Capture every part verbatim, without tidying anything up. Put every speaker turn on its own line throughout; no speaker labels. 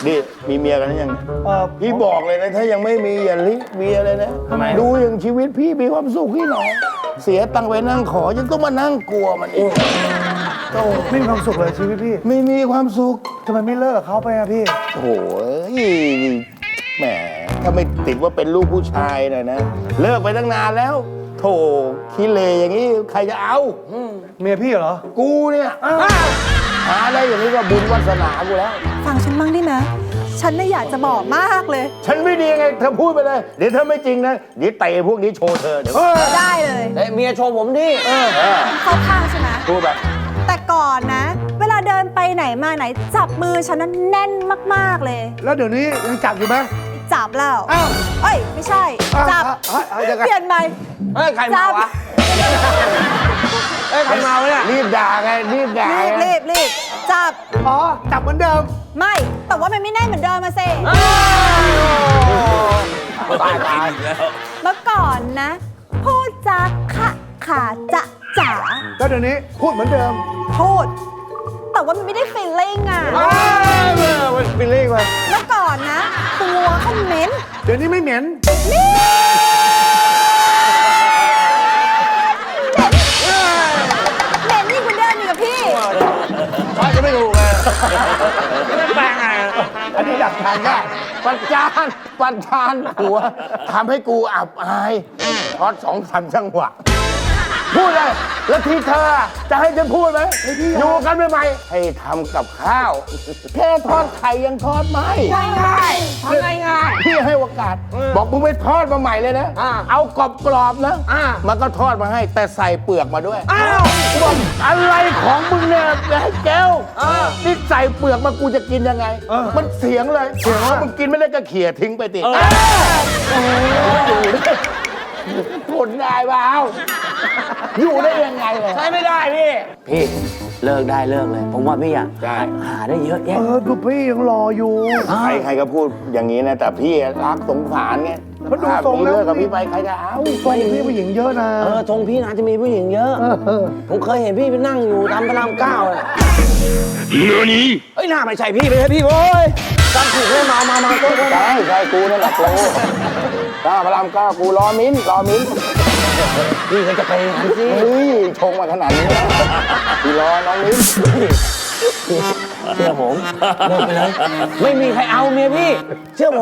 นี่มีเมียกันหรือยัง
เออ
พี่บอกเลยนะถ้ายังไม่มีอย่าลิเมียเลยนะ
ทำไม
ดูอย่างชีวิตพี่มีความสุขที่ไหนเสียตังค์ไปนั่งขอยังต้องมานั่งกลัวมันอีก
โอ้ไม่มีความสุขเลยชีวิตพี่
ไม่มีความสุข
ทำไมไม่เลิกกับเขาไปอะพี่
โอ้โหแหมถ้าไม่ติดว่าเป็นลูกผู้ชายน่ะนะเลิกไปตั้งนานแล้วโถขี้เลอย่างนี้ใครจะเอาอืม
เมียพี่เหรอ
กูเนี่ยหาได้อย่างนี้ก็บุญวาสนากูแล้ว
ฟังฉันบ้างได้ไหมฉันน่ะอยากจะบอกมากเลย
ฉันไม่ดีไงเธอพูดไปเลย เดี๋ยวเธอไม่จริงนะเดี๋ยวเตะพวกนี้โชว์เธอเดี๋ยว
ได้เลย
เอ้ยเมียโชว์ผมดิ
เออเออ
เข้าข้างใช่ไหม
พูดแบบ
แต่ก่อนนะ เวลาเดินไปไหนมาไหน จับมือฉันนั้นแน่นมากๆเลย
แล้วเดี๋ยวนี้ยังจับอยู่ไหม
จับแล้ว
อ้าว
เอ้ยไม่ใช่
อ้าว
จับ
อ้าวอ้าวยังไง
เปลี่ยนใหม่
เฮ้ย ใครมาวะ เฮ้ย ใครมาวะเนี่ย
รีบด่าไงรีบด่า
รีบ
ไง
รีบรีบจับ
อ๋อจับเหมือนเดิม
ไม่ แต่ว่ามันไม่แน่นเหมือนเดิมมาเซ
ตายตาย
เมื่อก่อนนะ พูดจาขะขาจะจ๋า
แล้วเดี๋ยวนี้พูดเหมือนเดิม
พูด แต่ว่ามันไม่ได้ฟีลลิ่งอ่ะ
มันเป็นเรื่องอะไร
เมื่อก่อนนะ ตัวเขาเหม็น
เดี๋ยวนี้ไม่เหม็น
เหม็นยิ่งกว่าเดิมอีกอะพี่
ว่าจะไม่ถูกเลยไม่แปลงไง
อันนี้ดักทางได้ปัจจานปัจจานหัวทำให้กูอับอายทอดสองสามจังหวะพูดเลยแล้วที่เธอจะให้ฉันพูดไหมอยู่กันใหม่ๆให้ทำกับข้าว แค่ทอดไข่ยังทอดไม่ง่ายๆทำง่ายๆพี่ให้โอกาส บอกมึงไปทอดมาใหม่เลยนะ เอากรอบกรอบๆนะมันก็ทอดมาให้แต่ใส่เปลือกมาด้วยอ้าวบอกอะไรของมึงเนี่ยไอ้แก้วนี่ใส่เปลือกมากูจะกินยังไง มันเสียงเลยเสียงว่ามึงกินไม่ได้ก็เขี่ยทิ้งไปติอยู่ได้ทนได้เปล่าอยู่ได้ยังไงเลย
ใช้ไม่ได้พี่ พี่ เลิกได้เลิกเลย ผมว่าพี่อ่ะ
ใช่
หาได้เยอะแยะ
เออดูพี่ยังรออยู่
ใครใครก็พูดอย่างนี้นะ แต่พี่รักสงสารไง
มันดู
ถ้า
ทรง
พี่
แล้ว
เลิกกับพี่ไปใครจะเอา
ตรงพี่ผู้หญิงเยอะนะ
เออทรงพี่น่าจะมีผู้หญิงเยอะ
เออ
ผมเคยเห็นพี่ไปนั่งอยู่ตามพระรามเก้าเลยเฮ้ยหน้าไม่ใช่พี่ไม่ใช่พี่โว้ยจำถูกเลยมามามาโต๊ะโต๊ะ
ใช่ใช่กูนั่นแหละกูก้าพระรามเก้ากูรอมิ้นรอมิ้น
พี่ก็จะไปอย่างนั้นสิ
เฮ้ยชงมาขนาดนี้แล้วพี่รอน้องมิ้น
เชื่อผมเลิกไปเลยไม่มีใครเอาเมียพี่ เชื่อผม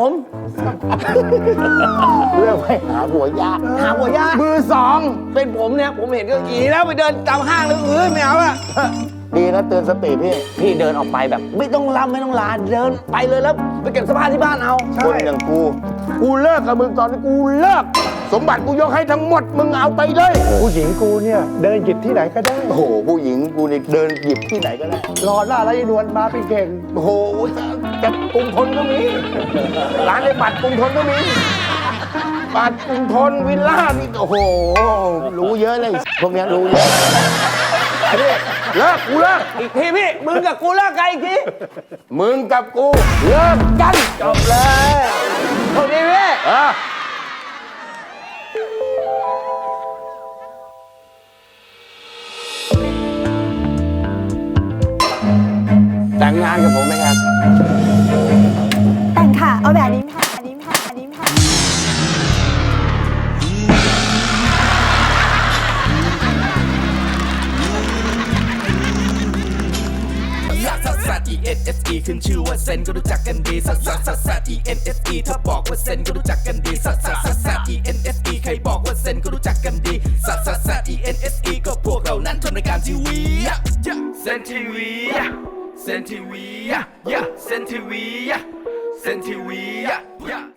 เรื่องไปหาหัวยาก
หาหัวยาก
มือสอง
เป็นผมเนี่ยผมเห็นก็อีแล้วไปเดินตามห้างแล้วเออไม่เอาอะ
ดีนะเตือนสติพี่
พี่เดินออกไปแบบ ไม่ต้องรับไม่ต้องลาเดินไปเลยแล้วไปเก็บเสภาที่บ้านเอา
คนอย่างกู กูเลิกกับมึงตอนนี้กูเลิก สมบัติกูยกให้ทั้งหมดมึงเอาไปเลย
ผู้หญิงกูเนี่ยเดินหยิบที่ไหนก็ได้
โอ้โหผู้หญิงกูนี่เดินหยิบที่ไหนก็ได้
รอหน้าไรนวลมาเป็นเก่ง
โอ้โหจะกรุงทนก็มี ร้านในบัตรกรุงทนก็มี บัตรกรุงทนวิลล่านี่โอ้โห รู้เยอะเลย พวกเนี้ยรู้เยอะไอ้นี่เลิกกูเลิก
อีกทีพี่มึงกับกูเลิกกันอีกที
มึงกับกูเลิกกัน
จบเลยโอเคพี่
เออ
แต่งงานกับผมไหมครับ
แต่งค่ะ เอาแบบนี้ค่ะ อันนี้ค่ะ อันนี้ค่ะ
ลักซัสซัส E N S E ขึ้นชื่อว่าเซนก็รู้จักกันดีซัสซัสซัสซัส E N S E ถ้าบอกว่าเซนก็รู้จักกันดีซัสซัสซัสซัส E N S E ใครบอกว่าเซนก็รู้จักกันดีซัสซัสซัส E N S E ก็พวกเรานั้นทำรายการทีวีเซนทีวีเซนทีวีเซนทีวีเซนทีวี